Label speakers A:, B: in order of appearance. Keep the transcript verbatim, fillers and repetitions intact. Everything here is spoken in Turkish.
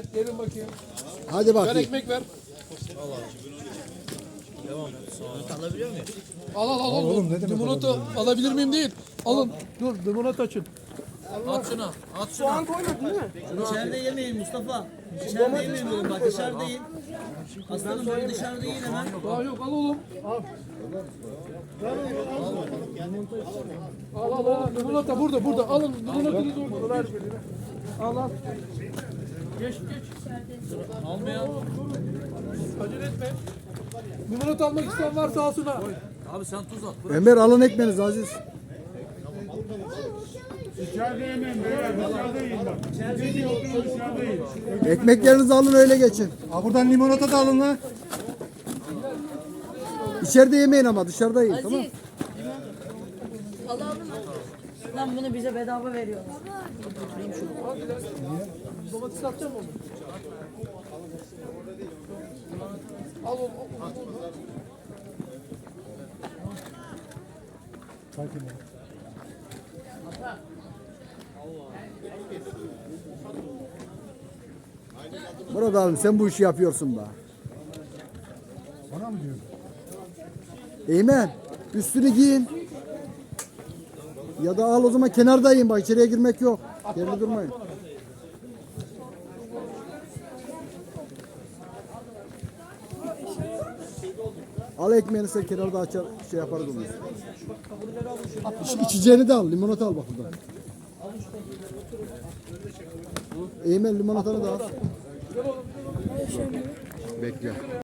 A: şöyle. Gelin bakayım.
B: Hadi
A: Ver
B: bakayım.
A: ekmek ver.
C: Alabiliyor muyum?
A: Al al al. al.
B: oğlum, ne demek
A: Limonata alabilir miyim değil. Alın. Dur limonata açın.
C: At şunu. At şunu.
D: Soğan koymadın değil mi?
C: İçeride yemeyin Mustafa. İçeride yemeyin dedim bak dışarıda yiyin. Aslanım böyle dışarıda yiyin hemen.
A: Daha yok al oğlum. Al. Al al al. Limonata burada burada. Alın limonatanızı orada. Ver. Al al. Geç geç.
C: Almayan.
A: Acele etme. Limonata almak isteyen varsa alsın ha.
C: Abi sen tuz at.
B: Ömer alın ekmeğinizi Aziz.
E: İçeride yemeyin beyler, dışarıda yiyin bak. İçeride yiyin, dışarıda yiyin.
B: Ekmeklerinizi alın öyle geçin.
E: Ha buradan limonata da alın lan.
B: İçeride yemeyin ama dışarıda yiyin, tamam?
D: Alalım mı? Lan bunu bize bedava veriyorlar.
A: Domates satacağım onu. Al oğlum. Al, al.
B: Murat abi sen bu işi yapıyorsun da.
E: Bana mı diyorsun?
B: Eymen üstünü giyin. Ya da al o zaman kenarda yiyin, bak içeriye girmek yok. Yerinde durmayın. Al ekmeğini sen kenarda açar şey yaparız onu. İç, içeceğini de al, limonata al bak buradan. Eymen limonatanı da al. Bekle.